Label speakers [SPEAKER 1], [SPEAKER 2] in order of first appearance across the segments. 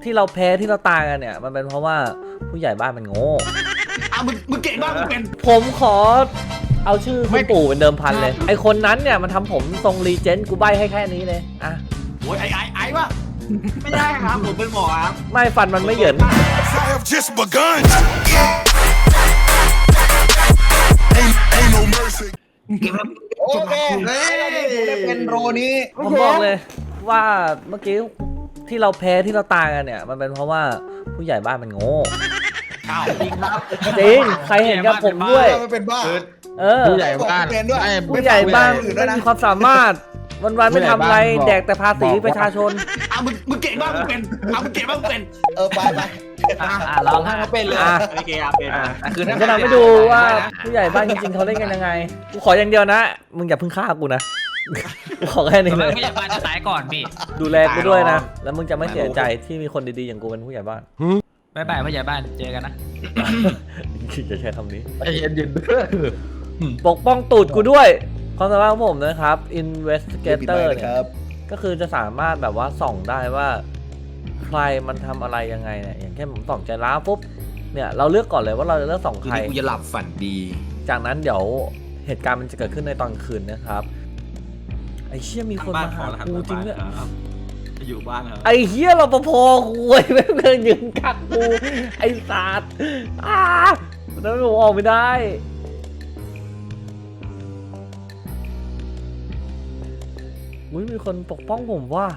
[SPEAKER 1] ที่เราแพ้ที่เราตายกันเนี่ยมันเป็นเพราะว่าผู้ใหญ่บ้านมันโง่
[SPEAKER 2] มึงเก่งมากมึงเป็น
[SPEAKER 1] ผมขอเอาชื่อคุณปู่เป็นเดิมพันเลยไอคนนั้นเนี่ยมันทำผมทรงรีเจนต์กูใบให้แค่นี้เลยอ่ะ
[SPEAKER 2] โอ้ยไอ้วะไม่ได้ครับผมเป็นหมอครับ
[SPEAKER 1] ไม่ฟันมันไม่เหยิน
[SPEAKER 3] โอเคได้เป็นโรนี้
[SPEAKER 1] ผมบอกเลยว่าเมื่อกี้ที่เราแพ้ที่เราตายกันเนี่ยมันเป็นเพราะว่าผู้ใหญ่บ้านมันโง่
[SPEAKER 2] จริงครับ
[SPEAKER 1] จริงใครเห็นกับผมด้วย
[SPEAKER 3] ไม่เป็นบ้า
[SPEAKER 4] ผู้ใหญ่บ้าน
[SPEAKER 1] ผู้ใหญ่บ้านไม่มีความสามารถวันๆไม่ทำอะไรแดกแต่ภาษีประชาชน
[SPEAKER 2] มึงเก่งมากมึงเป็นมึงเก่งมากมึงเป็น
[SPEAKER 3] ไป
[SPEAKER 4] ลองให้เขาเป็นเลย
[SPEAKER 2] โอเคครับเป็น
[SPEAKER 1] คือจะนำให้ดูว่าผู้ใหญ่บ้านจริงๆเขาเล่นกันยังไงกูขออย่างเดียวนะมึงอย่าเพิ่งฆ่ากูนะกูขอแค่นี้เลย
[SPEAKER 5] ผู้ใหญ่บ้านจะตายก่อนพี่
[SPEAKER 1] ดูแลกูด้วยนะแล้วมึงจะไม่เสียใจที่มีคนดีๆอย่างกูเป็นผู้ใหญ่บ้าน
[SPEAKER 5] บ๊ายบายผู้ใหญ่บ้านเจอกันนะ
[SPEAKER 1] จะใช้คำนี้
[SPEAKER 4] เย็น
[SPEAKER 1] ปกป้องตูดกูด้วยความสามารถของผมนะครับ investigator เนี่ยก็คือจะสามารถแบบว่าส่องได้ว่าใครมันทำอะไรยังไงเนี่ยอย่างเช่นผมส่องใจร้าวปุ๊บเนี่ยเราเลือกก่อนเลยว่าเราจะเลือกส่องใคร
[SPEAKER 4] กูจะหลับฝันดี
[SPEAKER 1] จากนั้นเดี๋ยวเหตุการณ์มันจะเกิดขึ้นในตอนคืนนะครับไอ้เชี่ยมีคนมาหากูจริงเนี่ย
[SPEAKER 2] อยู่บ้านครับ
[SPEAKER 1] ไอ้เหี้ยรปภกูไอ้แม่งเดินยืนกักกูไอ้สัตว์แล้วผมออกไม่ได้มีคนปกป้องผมว่า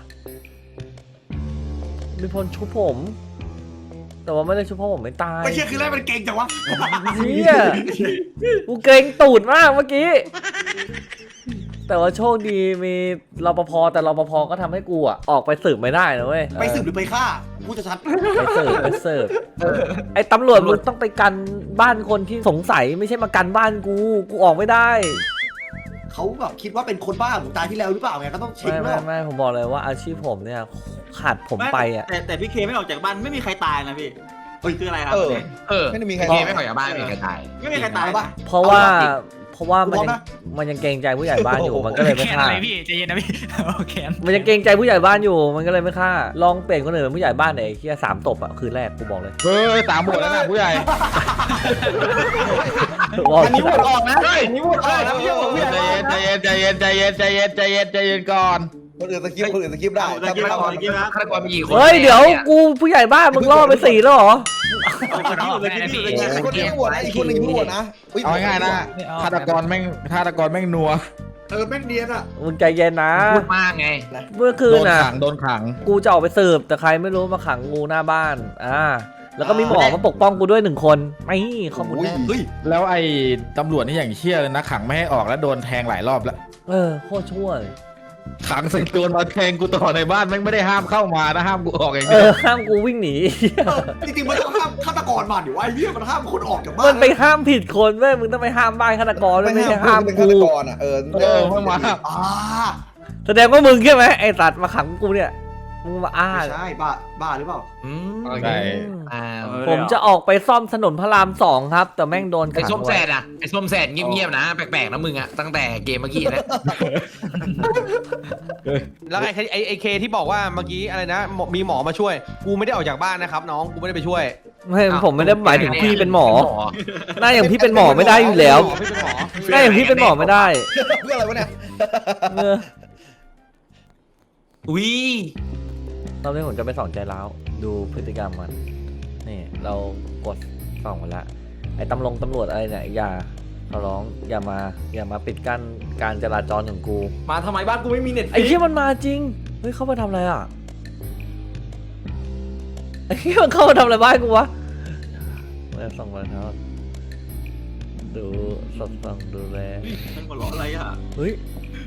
[SPEAKER 1] มีคนชุบผมแต่ว่าไม่ได้ชุบเพราะผมไม่ตาย
[SPEAKER 2] ไม่เชื่อคือแรกมันเก่งจังวะ
[SPEAKER 1] เชี่ยกูเกรงตูดมากเมื่อกี้แต่ว่าโชคดีมีรปภแต่รปภก็ทำให้กูอ่ะออกไปสืบไม่ได้นะเว้ย
[SPEAKER 2] ไปสืบหรือไปฆ่ากูจะชัด
[SPEAKER 1] ไปสืบไอ้ตำรวจมึงต้องไปกันบ้านคนที่สงสัยไม่ใช่มากันบ้านกูออกไม่ได้
[SPEAKER 2] เขาแบบคิดว่าเป็นคนบ้าผมตายที่แล้วหรือเปล่าไงก็ต้องเช็ค
[SPEAKER 1] ไม่ผมบอกเลยว่าอาชีพผมเนี่ยขาดผมไปอ่ะ
[SPEAKER 2] แต่พี่เคไม่ออกจากบ้านไม่มีใครตายนะพี่คืออะไรครับ
[SPEAKER 4] ไม่ได้มีใครไม่ออกจากบ้านไม่มีใครตาย
[SPEAKER 2] ไม่มีใครตายปะ
[SPEAKER 1] เพราะว่ามันยังเกรงใจผู้ใหญ่บ้านอยู่มันก็เลยไม่ฆ่า
[SPEAKER 5] พี่ใจเย็นนะพี่โอเค
[SPEAKER 1] มันยังเกรงใจผู้ใหญ่บ้านอยู่มันก็เลยไม่ฆ่าลองเปลี่ยนคนอื่นเป็นผู้ใหญ่บ้านหน่อยแค่3 ตบอ่ะคืนแรกกูบอกเลย
[SPEAKER 4] 3 หมดแล้วนะผู้ใหญ่
[SPEAKER 3] อันนี้หมดออกนะอันนี้หมดออกนะไม่ใช่หมดผู้ใหญ่
[SPEAKER 4] ใจเย็นก่อน
[SPEAKER 3] คนอื่นสกิปได้
[SPEAKER 4] ฆาตกรมีกี่คน
[SPEAKER 1] เฮ้ยเดี๋ยวกูผู้ใหญ่บ้านมึงล่อไป4แล้วเหรอ
[SPEAKER 3] คนนึงหัวนะอีกคนนึงหัวนะ
[SPEAKER 4] เอาง่ายนะฆาตกรแม่งนัว
[SPEAKER 2] แม่งเนียนอ่ะ
[SPEAKER 1] มึงใจเย็นนะ
[SPEAKER 4] พูดมากไง
[SPEAKER 1] เมื่อคืนน่ะ
[SPEAKER 4] โดนขัง
[SPEAKER 1] กูจะออกไปสืบแต่ใครไม่รู้มาขังงูหน้าบ้านแล้วก็มีหมอมาปกป้องกูด้วย1 คนไม่ข้อมูลแน่
[SPEAKER 4] แล้วไอ้ตำรวจนี่อย่างเชี่ยเลยนะขังไม่ให้ออกแล้วโดนแทงหลายรอบแล้ว
[SPEAKER 1] โคตรชั่วเลย
[SPEAKER 4] ขังใส่ตัวมาแทงกูต่อในบ้านแม่งไม่ได้ห้ามเข้ามานะห้ามกูออกอย่างเดี
[SPEAKER 1] ยวห้ามกูวิ่งหนี
[SPEAKER 2] จริงๆมันต้องห้ามฆาตกรมาดิวะไอ้เหี้ยมันห้ามคนออกจากบ้าน
[SPEAKER 1] มันไปห้ามผิดคนเว้ยมึงต้องไปห้ามบ้านฆาตกรไม่ใช่ห้ามกู
[SPEAKER 4] เข้ามา
[SPEAKER 1] แสดงว่ามึงใช่ไหมไอ้สัตว์มาขังกูเนี่ยมึงมา
[SPEAKER 2] ใช่บ้าหรือเปล่า
[SPEAKER 1] ผมจะออกไปซ่อมถนนพระราม2ครับแต่แม่งโดนขัง
[SPEAKER 4] ไอ้ส้มแสดไอ้ส้มแสดเงียบๆนะแปลกๆนะมึงอะตั้งแต่เกมเมื่อกี้แล้ว
[SPEAKER 6] แล้วไอ้เคที่บอกว่าเมื่อกี้อะไรนะมีหมอมาช่วยกูไม่ได้ออกจากบ้านนะครับน้องกูไม่ได้ไปช่วย
[SPEAKER 1] ไม่ผมไม่ได้หมายถึงพี่เป็นหมอหน้าอย่างพี่เป็นหมอไม่ได้อยู่แล้วหน้าอย่างพี่เป็นหมอไม่ได้
[SPEAKER 3] เพื่ออะไรวะเนี่ย
[SPEAKER 1] ตอนนี้ผมจะไปส่องใจร้าวดูพฤติกรรมมันนี่เรากดส่องมาแล้วไอ้ตำรวจอะไรเนี่ยอย่าเขาร้องอย่ามาปิดกั้นการจราจรของกู
[SPEAKER 2] มาทำไมบ้านกูไม่มีเน็ต
[SPEAKER 1] ไอ้ที่มันมาจริงเฮ้ยเข้ามาทำอะไรอ่ะไอ้ที่มันเข้ามาทำอะไรบ้านกูวะมาส่องมาเท้าดูสดส่องดูแล
[SPEAKER 2] มันหัวเราะอะไรอ่ะ
[SPEAKER 1] เฮ้ย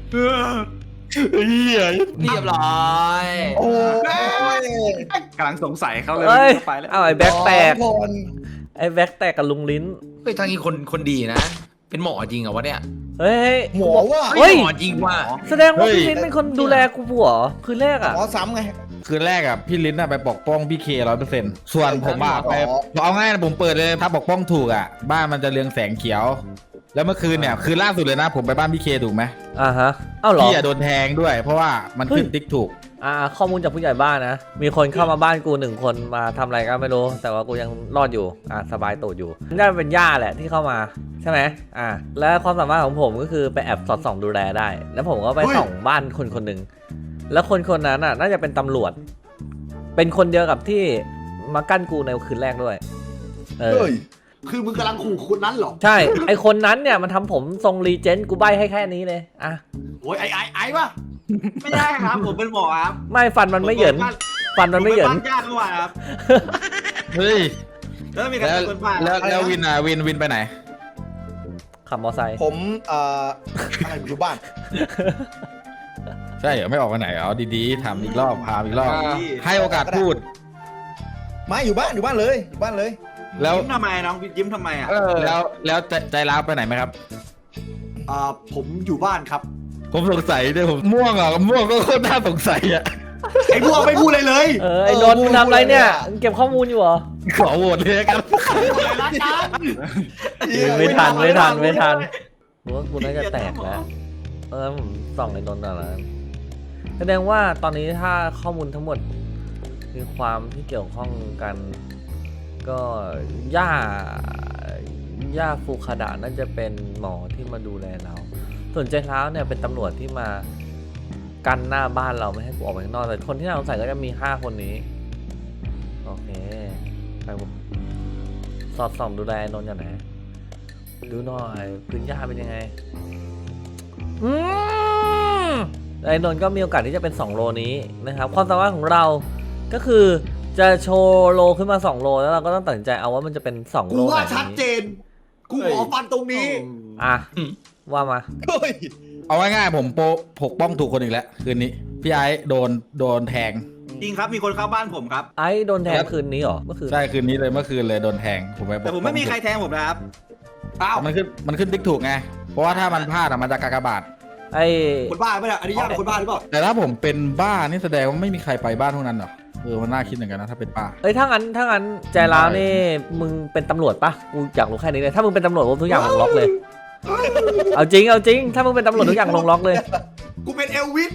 [SPEAKER 4] เรียบร้อย
[SPEAKER 3] โอ้ย
[SPEAKER 2] กำลังสงสัยเขาเลย
[SPEAKER 1] ไปแล้วไอ้แบ็คแตกกับลุงลิ้น
[SPEAKER 4] เฮ้ยทางนี้คนดีนะเป็นหมอจริงเหรอวะเนี่ย
[SPEAKER 1] เฮ้ย
[SPEAKER 3] หมอว่ะ
[SPEAKER 4] หมอจริงว่ะ
[SPEAKER 1] แสดงว่าพี่ลิ้นเป็นคนดูแลกูผัวคืนแรกอ่ะ
[SPEAKER 3] หมอซ้ำไง
[SPEAKER 4] คืนแรกอ่ะพี่ลิ้นไปปกป้องพี่เค100%ส่วนผมไปเอาง่ายนะผมเปิดเลยถ้าปกป้องถูกอ่ะบ้านมันจะเรืองแสงเขียวแล้วเมื่อคืนเนี่ยคืนล่าสุดเลยนะผมไปบ้านพี่เคถูกไหม
[SPEAKER 1] ฮะเอ้าเหรอ
[SPEAKER 4] พี่โดนแทงด้วยเพราะว่ามันขึ้นติ๊กถูก
[SPEAKER 1] ข้อมูลจากผู้ใหญ่บ้านนะมีคนเข้ามาบ้านกู1 คนมาทำอะไรก็ไม่รู้แต่ว่ากูยังรอดอยู่สบายตูดอยู่น่าจะเป็นย่าแหละที่เข้ามาใช่ไหมและความสามารถของผมก็คือไปแอบสอดส่องดูแลได้ แล้วผมก็ไปส่องบ้านคนหนึ่งแล้วคนนั้นน่าจะเป็นตำรวจเป็นคนเดียวกับที่มากั้นกูในคืนแรกด้วย
[SPEAKER 2] คือมึงกำลังขู่คนนั้นเหรอ
[SPEAKER 1] ใช่ไอคนนั้นเนี่ยมันทำผมทรงรีเจนต์กูใบให้แค่นี้เลย
[SPEAKER 2] โอ้ยไอ้ปะ
[SPEAKER 3] ไม่ได้ครับผมเป็นหมอครับ
[SPEAKER 1] ไม่ฟันมันไม่เหยินฟันมันไม่เหยิน
[SPEAKER 3] ยากกว่าครับ
[SPEAKER 4] เฮ้ย
[SPEAKER 3] แล้วมีใครเป็นคนผ่าน
[SPEAKER 4] แล้ววินไปไหน
[SPEAKER 1] ขับมอไซค์
[SPEAKER 7] ผมอะไรอยู่บ้าน
[SPEAKER 4] ใช่เหรอไม่ออกไปไหนเอาดีๆถามอีกรอบพาอีกรอบให้โอกาสพูด
[SPEAKER 7] ไม่อยู่บ้านเลยอยู่บ้านเลย
[SPEAKER 4] แล้ว
[SPEAKER 3] ยิ้มทำไมน้องยิ้มทำไมอ่ะ
[SPEAKER 4] แล้วใจร้าวไปไหนไหมครับ
[SPEAKER 2] ผมอยู่บ้านครับ
[SPEAKER 4] ผมสงสัยด้วยผมม่วงก็โคตรน่าสงสัยอ่ะ
[SPEAKER 2] ไอ้พวกไม่พูดเลยเลย
[SPEAKER 1] ไอ้นนท์มึงทำอะไรเนี่ยมึงเก็บข้อมูลอยู่เหรอ
[SPEAKER 4] ขอโหวตเลยครับ
[SPEAKER 1] ไม่ทันรู้ว่ากูน่าจะแตกแล้วผมส่องไอ้นนท์อะไรแสดงว่าตอนนี้ถ้าข้อมูลทั้งหมดมีความที่เกี่ยวข้องกันก็ย่าฟูคาดะน่าจะเป็นหมอที่มาดูแลเราส่วนใจร้าวเนี่ยเป็นตำรวจที่มากันหน้าบ้านเราไม่ให้กูออกไปข้างนอกแต่คนที่น่าสงสัยก็จะมี5 คนนี้โอเคไปสอดส่องดูแลนนท์อย่างไหนดูหน่อยพื้นหญ้าเป็นยังไงไอ้นนท์ก็มีโอกาสที่จะเป็น2 โลนี้นะครับความสามารถของเราก็คือจะโชว์โลขึ้นมา2 โลแล้วเราก็ต้องตัดสินใจเอาว่ามันจะเป็น2 โลไหน
[SPEAKER 2] กูว่าชัดเจนกูขอฟันตรงนี้
[SPEAKER 1] ว่ามา
[SPEAKER 4] เอาง่ายๆผมปกป้องถูกคนอีกแล้วคืนนี้พี่ไอ้โดนแทง
[SPEAKER 3] จริงครับมีคนเข้าบ้านผมครับ
[SPEAKER 1] ไอ้โดนแทงคืนนี้เหรอเมื่อคืน
[SPEAKER 4] ใช่คืนนี้เลยเมื่อคืนเลยโดนแทง
[SPEAKER 3] แต่ผมไม่มีใครแทงผมนะครับ
[SPEAKER 4] มันขึ้นติ๊กถูกไงเพราะว่าถ้ามันพลาดมันจะกากบาท
[SPEAKER 2] คนบ้าไม่ได้อันนี้ยากเป็นคนบ้าหรือเปล่า
[SPEAKER 4] แต่ถ้าผมเป็นบ้านี่แสดงว่าไม่มีใครไปบ้านพวกนั้นหรอมันน่าคิดเหมือนกันนะถ้าเป็นป้า
[SPEAKER 1] ถ้างั้นใจร้าวนี่มึงเป็นตำรวจปะกูอยากรู้แค่นี้เลยถ้ามึงเป็นตำรวจทุกอย่างลงล็อกเลยเอาจริงถ้ามึงเป็นตำรวจทุกอย่างลงล็อกเลย
[SPEAKER 2] กูเป็นเอลวิส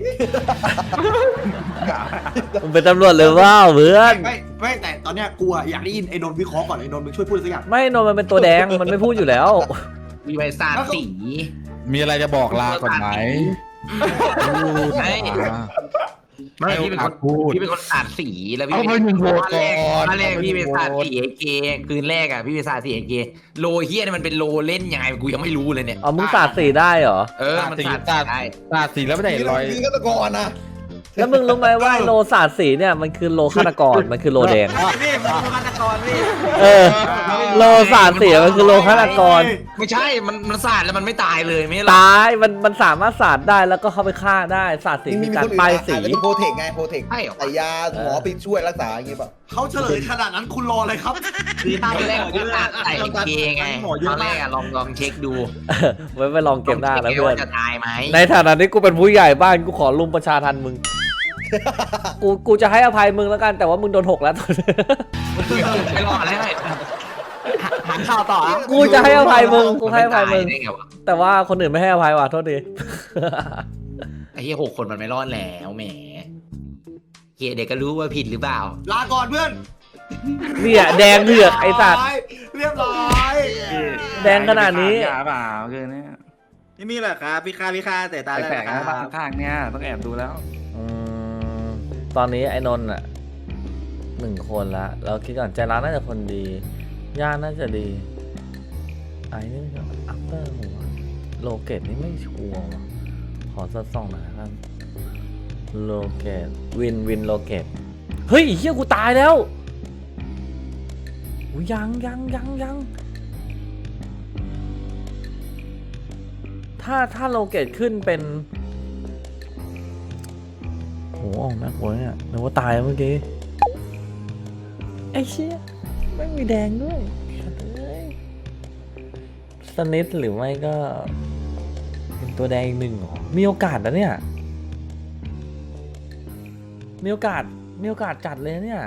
[SPEAKER 1] มึงเป็นตำรวจเลยว่าเพื่อน
[SPEAKER 2] ไม่แต่ตอนเนี้ยกูอยากได้ยินไอ้นนท์วิเคราะห์ก่อนไอ้นนท์มึงช่วยพูดสักอย่าง
[SPEAKER 1] ไม่นนท์มันเป็นตัวแดงมันไม่พูดอยู่แล้ว
[SPEAKER 3] มีใบสาดสี
[SPEAKER 4] มีอะไรจะบอกลาก่อนไหม
[SPEAKER 3] ไม่พี่เป็นคนพูดพี่เป็นคนสาดสีแล้วพี่
[SPEAKER 4] เป็นคนโหวตก่อน
[SPEAKER 3] แรกพี่เป็นสาดสีเกคืนแรกอ่ะพี่เป็นสาดสีเกโลเฮียนี่มันเป็นโลเล่นยังไงกูยังไม่รู้เลยเนี่ย
[SPEAKER 1] มึงสาดสีได้เหรอ
[SPEAKER 3] มันสาดได้
[SPEAKER 4] สาดสีแล้วไม่ได้รอย
[SPEAKER 7] ฆาตกรนะ
[SPEAKER 1] แล้วมึงรู้ไหมว่าโลสาดสีเนี่ยมันคือโลฆาตกรมันคือโลแดง
[SPEAKER 3] นี่มันโลฆาตกรพี่
[SPEAKER 1] โลสาดสีมันคือโลฆาตกร
[SPEAKER 3] ไม่ใช่มันสาดแล้วมันไม่ตายเลยไม่
[SPEAKER 1] ตายมันสามารถสาดได้แล้วก็เข้าไปฆ่าได้สาดสีมีการป้ายสี
[SPEAKER 7] โปรเทคไงโปรเทคใส่ยาหมอไปช่วยรักษาอย่างงี้ป่ะ
[SPEAKER 2] เขาเฉลยขนาดนั้นคุณรออะไรครับ
[SPEAKER 3] คือตอนแรกผมสาดใส่เกไงตอนแรกลองเช็คดู
[SPEAKER 1] ไว้ไปลองเก็บได้แล้วเพื่อน
[SPEAKER 3] จะตายไหม
[SPEAKER 1] ในฐานะที่กูเป็นผู้ใหญ่บ้านกูขอรุมประชาทันมึงกูจะให้อภัยมึงแล้วกันแต่ว่ามึงโดน6แล้วตอนนี้
[SPEAKER 3] ไม่รอดแล้วหาข่าวต่อ
[SPEAKER 1] กูจะให้อภัยมึงกูให้อภัยมึงแต่ว่าคนอื่นไม่ให้อภัยว่ะโทษที
[SPEAKER 3] ไอ้เหี้ย6 คนมันไม่รอดแล้วแหมเฮียเด็กก็รู้ว่าผิดหรือเปล่า
[SPEAKER 2] ลาก่อนเพื่อน
[SPEAKER 1] เนี่ยแดงเถือกไอ้สัตว์
[SPEAKER 2] เรียบร้อย
[SPEAKER 1] แดงขนาดนี้
[SPEAKER 3] เปล่าคือเนี่ยไม่มีหรอกครับพี่ค่าแต่ตาแปลกๆบ้างข้างเนี่ยต้องแอบดูแล้ว
[SPEAKER 1] ตอนนี้ไอ้นนท์1 คนละเราคิดก่อนใจร้าวน่าจะคนดีย่าน่าจะดีไอ้นี่ก็อัปเตอร์หัวโลเกตนี่ไม่ชัวร์ว่ะขอสัก2หน่อยครับโลเกตวินโลเกตเฮ้ยเฮียกูตายแล้วยังถ้าโลเกตขึ้นเป็นโอ้โหน่ากลัวเนี่ยนึกว่าตายเมื่อกี้ไอ้เชี่ยไม่มีแดงด้วยสนิทหรือไม่ก็เป็นตัวแดงอีก1หรอมีโอกาสนะเนี่ยมีโอกาสจัดเลยเนี่ย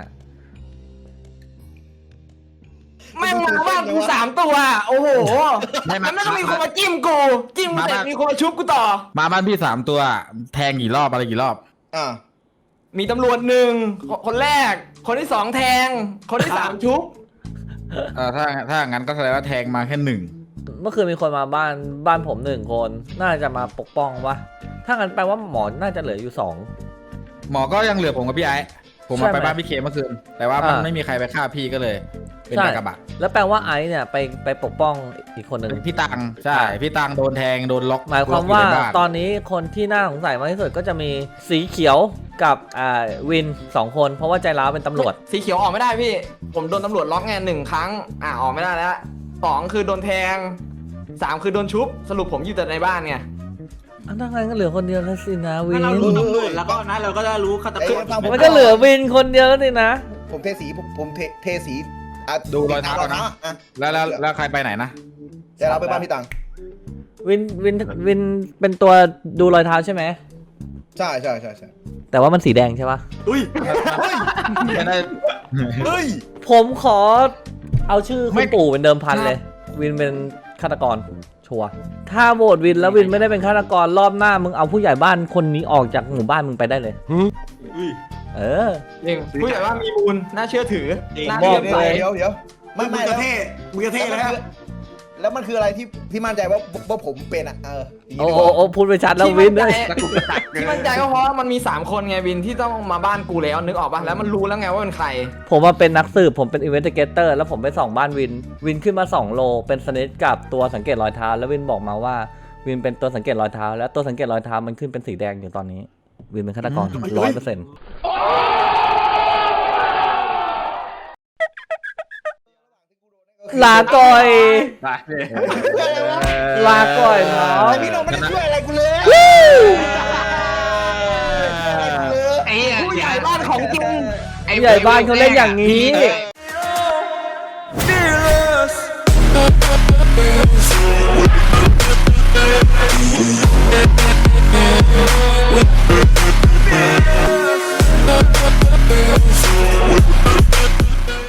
[SPEAKER 3] แม่งมาบ้านกู3 ตัวโอ้โหมันไม่ต้องมีคนมาจิ้มเสร็จมีคนมาชุบกูต่อ
[SPEAKER 4] มาบ้านพี่3 ตัวแทงกี่รอบอะไรกี่รอบ
[SPEAKER 8] มีตำรวจหนึ่งคนแรก คนที่สองแทง คนที่สามชุบ
[SPEAKER 4] ถ้างั้นก็แสดงว่าแทงมาแค่หนึ่ง
[SPEAKER 1] เมื่อคืนมีคนมาบ้านผม1 คน น่าจะมาปกป้องวะถ้างั้นแปลว่าหมอน่าจะเหลืออยู่2
[SPEAKER 4] หมอก็ยังเหลือผมกับพี่ไอ้ผม
[SPEAKER 1] ใช่
[SPEAKER 4] มา
[SPEAKER 1] ไหม
[SPEAKER 4] ไปบ้านพี่เคเมื่อคืนแต่ว่ามัน
[SPEAKER 1] อ่า
[SPEAKER 4] ไม่มีใครไปฆ่าพี่ก็เลย เป็น
[SPEAKER 1] ใช่
[SPEAKER 4] กากบาท
[SPEAKER 1] แล้วแปลว่าไอซ์เนี่ยไปปกป้องอีกคนหนึ่ง
[SPEAKER 4] พี่ตังใช่พี่ตังโดนแทงโดนล็อก
[SPEAKER 1] หมายความ
[SPEAKER 4] ล็
[SPEAKER 1] ว่า
[SPEAKER 4] อกอยู่ในบ้น
[SPEAKER 1] ตอนนี้คนที่น่าสงสัยมากที่สุดก็จะมีสีเขียวกับวิน2 คนเพราะว่าใจร้าวเป็นตำรวจ
[SPEAKER 8] สีเขียวออกไม่ได้พี่ ผมโดนตำรวจล็อกไง1 ครั้ง ออกไม่ได้แล้ว2คือโดนแทง3คือโดนชุบ สรุปผมอยู่แต่ในบ้านไง
[SPEAKER 1] อันนั้นก็เหลือคนเดียวแล้วสินะวิน
[SPEAKER 7] ถ้าเรารู้ตำรวจแล้วก็นะเราก็จะรู้ฆาตกร
[SPEAKER 1] มันก็เหลือวินคนเดียวแล้วสินะ
[SPEAKER 7] ผมเทสีผมเทสีอ่ะ
[SPEAKER 4] ดูรอยเท้าก่อนนะ
[SPEAKER 7] อ่ะ
[SPEAKER 4] แล้วใครไปไหนนะ
[SPEAKER 7] จะเราไปบ้านพี่ตัง
[SPEAKER 1] วินเป็นตัวดูรอยเท้าใช่ไหม
[SPEAKER 7] ใช่
[SPEAKER 1] แต่ว่ามันสีแดงใช่ปะ
[SPEAKER 2] อุ้ย
[SPEAKER 4] ไม่ได้
[SPEAKER 7] เฮ้ย
[SPEAKER 1] ผมขอเอาชื่อคุณปู่เป็นเดิมพันเลย วินเป็นฆาตกรชัวร์ถ้าโหวตวินแล้ววินไม่ได้เป็นฆาตกรรอบหน้ามึงเอาผู้ใหญ่บ้านคนนี้ออกจากหมู่บ้านมึงไปได้เลย
[SPEAKER 2] อุ้ย
[SPEAKER 1] เออ
[SPEAKER 8] จริงผู้ใหญ่ว่ามีมูลน่าเชื่อถือน่า
[SPEAKER 1] บอ
[SPEAKER 8] เชื่
[SPEAKER 1] ก
[SPEAKER 8] อ
[SPEAKER 1] เลย
[SPEAKER 8] ใจ
[SPEAKER 7] เดี๋ยว
[SPEAKER 2] มึงจะเท่มึงจะเท่แล้ว
[SPEAKER 7] แล้วมันคืออะไรที่มั่นใจว่าผมเป็นอ่ะอย่างนี้
[SPEAKER 1] โอ้
[SPEAKER 7] ดีกว่า
[SPEAKER 1] โอ้พูดไปชัดแล้ววินเลย
[SPEAKER 8] ที่มั่นใจก็เพราะว่ามันมี3 คนไงวินที่ต้องมาบ้านกูแล้วนึกออกป่ะแล้วมันรู้แล้วไงว่าเป็นใคร
[SPEAKER 1] ผมมาเป็นนักสืบผมเป็นอินเวสติเกเตอร์แล้วผมไปส่องบ้านวินขึ้นมา2 โลเป็นสเนตกับตัวสังเกตรอยเท้าแล้ววินบอกมาว่าวินเป็นตัวสังเกตรอยเท้าแล้วตัวสังเกตรอยเท้ามันขึ้นเป็นสีแดงอยู่ตอนนี้ วินเป็นฆาตกร100%ลาก่อย ลาก่อยเนาะ
[SPEAKER 7] แต่พี่โนไม่ได้ช่วยอะไรกูเลย
[SPEAKER 8] ผู้ใหญ่บ้านของจริง
[SPEAKER 1] ผู้ใหญ่บ้านเขาเล่นอย่างนี้
[SPEAKER 7] เออ